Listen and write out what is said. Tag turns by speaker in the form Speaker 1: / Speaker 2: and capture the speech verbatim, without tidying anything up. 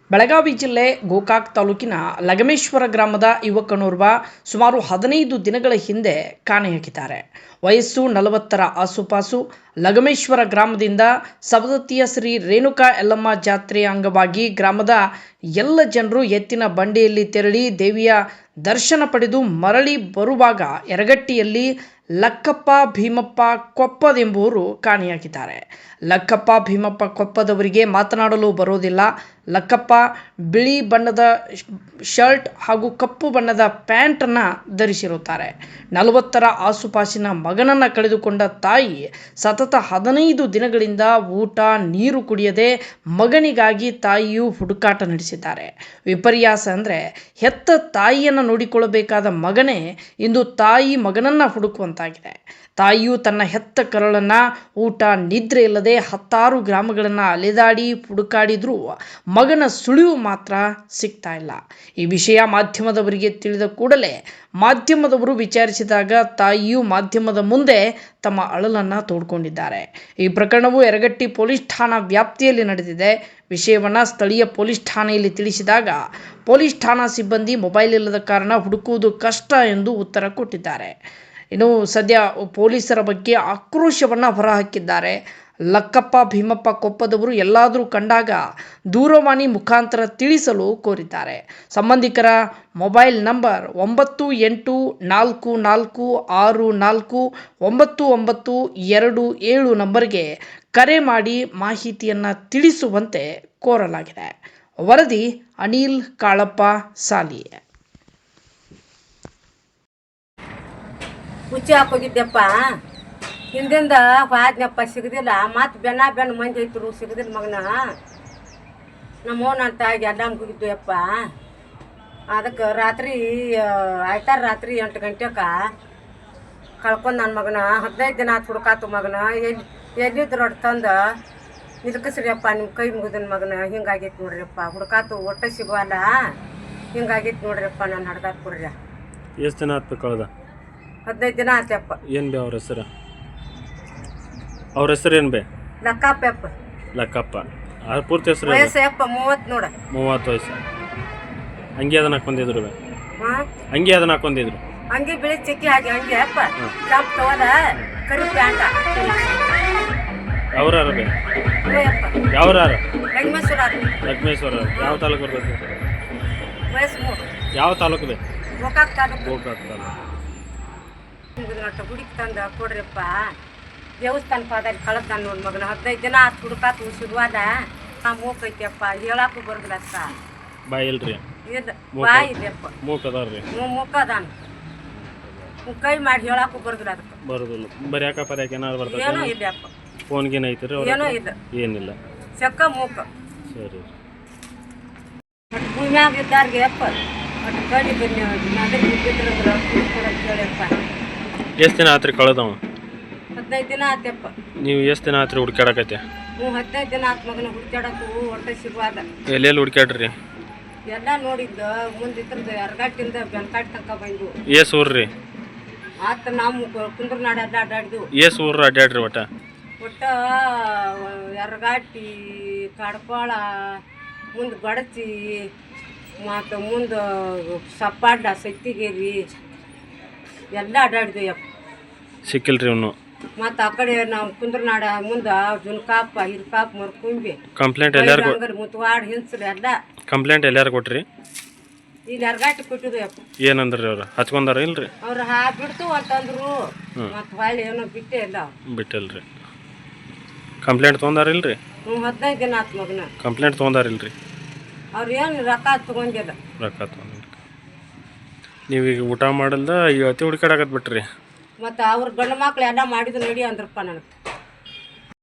Speaker 1: ಬೆಳಗಾವಿ ಜಿಲ್ಲೆ ಗೋಕಾಕ್ ತಾಲೂಕಿನ ಲಗಮೇಶ್ವರ ಗ್ರಾಮದ ಯುವಕನೋರ್ವ ಸುಮಾರು ಹದಿನೈದು ದಿನಗಳ ಹಿಂದೆ ಕಾಣೆಯಾಗಿದ್ದಾರೆ. ವಯಸ್ಸು ನಲವತ್ತರ ಆಸುಪಾಸು. ಲಗಮೇಶ್ವರ ಗ್ರಾಮದಿಂದ ಸವದತ್ತಿಯ ಶ್ರೀ ರೇಣುಕಾ ಯಲ್ಲಮ್ಮ ಜಾತ್ರೆಯ ಅಂಗವಾಗಿ ಗ್ರಾಮದ ಎಲ್ಲ ಜನರು ಎತ್ತಿನ ಬಂಡಿಯಲ್ಲಿ ತೆರಳಿ ದೇವಿಯ ದರ್ಶನ ಪಡೆದು ಮರಳಿ ಬರುವಾಗ ಯರಗಟ್ಟಿಯಲ್ಲಿ ಲಕ್ಕಪ್ಪ ಭೀಮಪ್ಪ ಕೊಪ್ಪದೆಂಬುವರು ಕಾಣೆಯಾಗಿದ್ದಾರೆ. ಲಕ್ಕಪ್ಪ ಭೀಮಪ್ಪ ಕೊಪ್ಪದವರಿಗೆ ಮಾತನಾಡಲು ಬರೋದಿಲ್ಲ. ಲಕ್ಕಪ್ಪ ಬಿಳಿ ಬಣ್ಣದ ಶರ್ಟ್ ಹಾಗೂ ಕಪ್ಪು ಬಣ್ಣದ ಪ್ಯಾಂಟನ್ನು ಧರಿಸಿರುತ್ತಾರೆ. ನಲವತ್ತರ ಆಸುಪಾಸಿನ ಮಗನನ್ನು ಕಳೆದುಕೊಂಡ ತಾಯಿ ಸತತ ಹದಿನೈದು ದಿನಗಳಿಂದ ಊಟ ನೀರು ಕುಡಿಯದೆ ಮಗನಿಗಾಗಿ ತಾಯಿಯು ಹುಡುಕಾಟ ನಡೆಸಿದ್ದಾರೆ. ವಿಪರ್ಯಾಸ ಅಂದರೆ ಹೆತ್ತ ತಾಯಿಯನ್ನು ನೋಡಿಕೊಳ್ಳಬೇಕಾದ ಮಗನೇ ಇಂದು ತಾಯಿ ಮಗನನ್ನು ಹುಡುಕುವಂತಾಗಿದೆ. ತಾಯಿಯು ತನ್ನ ಹೆತ್ತ ಕರಳನ್ನು ಊಟ ನಿದ್ರೆ ಇಲ್ಲದೆ ಹತ್ತಾರು ಗ್ರಾಮಗಳನ್ನು ಅಲೆದಾಡಿ ಹುಡುಕಾಡಿದ್ರೂ ಮಗನ ಸುಳಿವು ಮಾತ್ರ ಸಿಗ್ತಾ ಇಲ್ಲ. ಈ ವಿಷಯ ಮಾಧ್ಯಮದವರಿಗೆ ತಿಳಿದ ಕೂಡಲೇ ಮಾಧ್ಯಮದವರು ವಿಚಾರಿಸಿದಾಗ ತಾಯಿಯು ಮಾಧ್ಯಮದ ಮುಂದೆ ತಮ್ಮ ಅಳಲನ್ನು ತೋಡ್ಕೊಂಡಿದ್ದಾರೆ. ಈ ಪ್ರಕರಣವು ಯರಗಟ್ಟಿ ಪೊಲೀಸ್ ಠಾಣಾ ವ್ಯಾಪ್ತಿಯಲ್ಲಿ ನಡೆದಿದೆ. ವಿಷಯವನ್ನು ಸ್ಥಳೀಯ ಪೊಲೀಸ್ ಠಾಣೆಯಲ್ಲಿ ತಿಳಿಸಿದಾಗ ಪೊಲೀಸ್ ಠಾಣಾ ಸಿಬ್ಬಂದಿ ಮೊಬೈಲ್ ಇಲ್ಲದ ಕಾರಣ ಹುಡುಕುವುದು ಕಷ್ಟ ಎಂದು ಉತ್ತರ ಕೊಟ್ಟಿದ್ದಾರೆ. ಇನ್ನು ಸದ್ಯ ಪೊಲೀಸರ ಬಗ್ಗೆ ಆಕ್ರೋಶವನ್ನು ಹೊರಹಾಕಿದ್ದಾರೆ. ಲಕ್ಕಪ್ಪ ಭೀಮಪ್ಪ ಕೊಪ್ಪದವರು ಎಲ್ಲಾದರೂ ಕಂಡಾಗ ದೂರವಾಣಿ ಮುಖಾಂತರ ತಿಳಿಸಲು ಕೋರಿದ್ದಾರೆ. ಸಂಬಂಧಿಕರ ಮೊಬೈಲ್ ನಂಬರ್ ಒಂಬತ್ತು ಎಂಟು ನಾಲ್ಕು ನಾಲ್ಕು ಆರು ನಾಲ್ಕು ಒಂಬತ್ತು ಒಂಬತ್ತು ಎರಡು ಏಳು ನಂಬರ್ಗೆ ಕರೆ ಮಾಡಿ ಮಾಹಿತಿಯನ್ನು ತಿಳಿಸುವಂತೆ ಕೋರಲಾಗಿದೆ. ವರದಿ ಅನಿಲ್ ಕಾಳಪ್ಪ ಸಾಲಿ.
Speaker 2: ಹುಚ್ಚಿ ಹಾಕೋಗಿದ್ದೆಪ್ಪ, ಹಿಂದಿಂದ ಹೋದ್ನಪ್ಪ, ಸಿಗದಿಲ್ಲ. ಮತ್ತು ಬೆನ್ನ ಬೆನ್ನ ಮಂದಿ ಐತರು, ಸಿಗದಿಲ್ಲ ಮಗನ. ನಮ್ಮ ನನ್ನ ತಾಯಿಗೆ ಎಲ್ಲ ಹೋಗಿದ್ದು ಯಪ್ಪ. ಅದಕ್ಕೆ ರಾತ್ರಿ ಆಯ್ತಾರ ರಾತ್ರಿ ಎಂಟು ಗಂಟೆಗೆ ಕಳ್ಕೊಂಡು ನನ್ನ ಮಗನ ಹದಿನೈದು ದಿನ ಆತು ಹುಡುಕಾತು ಮಗನ. ಎಲ್ಲಿ ಎಲ್ಲಿದ್ರು ಒಟ್ಟು ತಂದು ನಿಲ್ಕಸ್ರಿಯಪ್ಪ, ನಿಮ್ಮ ಕೈ ಮುಗಿದನ ಮಗನ. ಹಿಂಗಾಗೈತೆ ನೋಡ್ರಿಯಪ್ಪ, ಹುಡುಕಾತು ಒಟ್ಟೆ ಸಿಗುವಲ್ಲ. ಹಿಂಗಾಗೈತೆ ನೋಡ್ರಿಯಪ್ಪ, ನಾನು ಹಡ್ದಾಕ ಕೊಡ್ರಿ.
Speaker 3: ಎಷ್ಟು ದಿನ ಆತು ಕಳ್ದ?
Speaker 2: ಹದಿನೈದು ದಿನ ಆತಪ್ಪ.
Speaker 3: ಏನು ಬೇ ಅವ್ರ ಹೆಸರು? ಅವ್ರ ಹೆಸರು ಏನು ಬೇ?
Speaker 2: ಲಕ್ಕಪ್ಪ.
Speaker 3: ಲಕ್ಕಪ್ಪ. ಅವ್ರ ಪೂರ್ತಿ ಹೆಸರು?
Speaker 2: ವಯಸ್ಸು ಯಪ್ಪ ಮೂವತ್ತು ನೋಡ.
Speaker 3: ಮೂವತ್ತು ವಯಸ್ಸು. ಅಂಗಿ ಅದನ್ನ ಹಾಕೊಂಡಿದ್ರು ಬೇ?
Speaker 2: ಹಾಂ, ಅಂಗಿ
Speaker 3: ಅದನ್ನ ಹಾಕೊಂಡಿದ್ರು.
Speaker 2: ಅಂಗಿ ಬಿಳಿ ಚಿಕ್ಕಿ ಹಾಕಿ ಹಂಗೆ ಅಪ್ಪ. ಕೆಂಪು ತಗೋದ ಕರಿ ಪ್ಯಾಂಟ.
Speaker 3: ಯಾವ್ರಾರ ಬೇ?
Speaker 2: ಯಪ್ಪ
Speaker 3: ಯಾವ್ರಾರ?
Speaker 2: ಲಗ್ಮೇಶ್ವರ.
Speaker 3: ಲಗ್ಮೇಶ್ವರ ಯಾವ ತಾಲೂಕು ಬರ್ತೈತಿ?
Speaker 2: ವಯಸ್ಸು ಮೂರು.
Speaker 3: ಯಾವ ತಾಲೂಕು ಬೇ?
Speaker 2: ಗೋಕಾಕ್ ತಾಲೂಕು.
Speaker 3: ಗೋಕಾಕ್ ತಾಲೂಕು.
Speaker 2: ಹುಡುಕಿ ತಂದು ಕೊಡ್ರಿಪ್ಪ. ದೇವಸ್ಥಾನ ಪಾದಲ್ಲಿ ಕಳೆದ ನೋಡಿ ಮಗನ. ಹದಿನೈದು ದಿನ ಆತು ಹುಡುಕಾತು ಸಿಗುವಾದ. ನಾ ಮೂಕೈತಿಯಪ್ಪ, ಹೇಳಕ್ಕೂ ಬರೋದಿಲ್ಲ ಅಷ್ಟ.
Speaker 3: ಬಾಯಿ ಇಲ್ರಿ?
Speaker 2: ಇದು ಬಾಯಿ ಇದೆಯಪ್ಪ.
Speaker 3: ಮೂಕ್ ಅದಾರ್ರಿ?
Speaker 2: ಹ್ಞೂ ಮೂಕ ಅದಾನ. ಕೈ ಮಾಡಿ ಹೇಳಕ್ಕೂ ಬರೋದಿಲ್ಲ ಅದಕ್ಕೆ.
Speaker 3: ಬರೋದಿಲ್ಲ. ಬರೀ ಯಾಕ ಪರ್ಯಾಕ ಏನಾದ್ರು ಬರ್ತದೆ?
Speaker 2: ಏನೋ ಇಲ್ಲಪ್ಪ.
Speaker 3: ಫೋನ್ಗೇನು ಐತ್ರಿ?
Speaker 2: ಏನೋ ಇಲ್ಲ.
Speaker 3: ಏನಿಲ್ಲ.
Speaker 2: ಚಕ್ಕ ಮೂಕ.
Speaker 3: ಸರಿ.
Speaker 2: ಒಟ್ಟು ಭೂಮ್ಯಾಗ ಇದ್ದಾರ್ಗೆ ಅಪ್ಪ ಒಟ್ಟು ಕಡಿ ಬನ್ನಿ ಅದ್ರ ಬಿದ್ದಿದ್ರ ಕೇಳಪ್ಪ.
Speaker 3: ಎಷ್ಟು ದಿನ ಆತ್ರಿ ಕಳೆದವ?
Speaker 2: ಹದಿನೈದು ದಿನ ಆತಪ್ಪ.
Speaker 3: ನೀವು ಎಷ್ಟು ದಿನ ಆತ್ರಿ ಹುಡ್ಕ್ಯಾಡಕತ್ತೆ?
Speaker 2: ಹ್ಞೂ ಹದಿನೈದು ದಿನ ಆತು ಮಗನ. ಹುಡ್ಕ್ಯಾಡಕ್ಕೂ ಹೊಟ್ಟೆ ಸಿಗುವಾದ.
Speaker 3: ಎಲ್ಲೆಲ್ಲಿ ಹುಡ್ಕ್ಯಾಡ್ರಿ?
Speaker 2: ಎಲ್ಲ ನೋಡಿದ್ದು ಮುಂದಿದ್ರದ್ದು ಯರಗಟ್ಟಿಂದ ಬೆನ್ಕಾಟ್ ತನಕ ಬಂದು.
Speaker 3: ಏಸ್ ಊರ್ರಿ?
Speaker 2: ಆತ ನಾವು ಕುಂದ್ರನಾಡ ಎಲ್ಲ ಅಡ್ಡಾಡಿದ್ವು.
Speaker 3: ಏಸ್ ಊರ್ರ ಅಡ್ಡಾಡ್ರಿ ಒಟ್ಟ?
Speaker 2: ಒಟ್ಟ ಯರಗಟ್ಟಿ, ಕಡ್ಪಾಳ, ಮುಂದೆ ಬಡಚಿ, ಮತ್ತು ಮುಂದೆ ಸಪ್ಪಾಡ್ಡ, ಸತ್ತಿಗೇರಿ ಎಲ್ಲ ಅಡ್ಡಾಡಿದ್ವಿ ಯಪ್ಪ.
Speaker 3: ಸಿಕ್ಕಿಲ್ರಿ ಅವನು?
Speaker 2: ಮತ್ತು ಆ ಕಡೆ ನಾವು ಕುಂದ್ರನಾಡ ಮುಂದೆ ಜುನ್ಕಾಪ, ಹಿರ್ಕಾಪ್, ಮರ್ಕುಂಬಿ,
Speaker 3: ಕಂಪ್ಲೇಂಟ್ ಎಲ್ಲಾರು
Speaker 2: ಮುತ್ವಾಡ್, ಹಿಂಸ್ರಿ ಎಲ್ಲ.
Speaker 3: ಕಂಪ್ಲೇಂಟ್ ಎಲ್ಲಾರು ಕೊಟ್ರಿ?
Speaker 2: ಇಲ್ಲಿ ಯರಗಟ್ಟಿ ಕೊಟ್ಟಿದ್ವಿ ಯಪ್ಪ.
Speaker 3: ಏನಂದ್ರಿ ಅವ್ರು? ಹಚ್ಕೊಂಡಾರ ಇಲ್ರಿ?
Speaker 2: ಅವ್ರು ಹಾ ಬಿಡ್ತು ಅಂತಂದ್ರು. ಮತ್ತು ಹೊಳ್ಳಿ ಏನೋ ಬಿಟ್ಟೇ ಇಲ್ಲ.
Speaker 3: ಬಿಟ್ಟಿಲ್ರಿ. ಕಂಪ್ಲೇಂಟ್ ತೊಗೊಂಡಾರ ಇಲ್ರಿ?
Speaker 2: ಹ್ಞೂ ಹದಿನೈದು ದಿನ ಆತು ಮಗನ.
Speaker 3: ಕಂಪ್ಲೇಂಟ್ ತೊಗೊಂಡಾರ ಇಲ್ರಿ?
Speaker 2: ಅವ್ರು ಏನು ರೊಕ್ಕ ತೊಗೊಂಡಿಲ್ಲ.
Speaker 3: ರೊಕ್ಕ ತೊಗೊಂಡಿಲ್ಲ. ನೀವೀಗ ಊಟ ಮಾಡಲ್ದ ಈಗ ಅತಿ ಹುಡುಕಾಡಕತ್ ಬಿಟ್ರಿ?
Speaker 2: ಮತ್ತು ಅವ್ರ ಗಂಡು ಮಕ್ಳು ಎಲ್ಲ ಮಾಡಿದ್ರು ನಡಿ ಅಂದ್ರಪ್ಪ ನನಗೆ.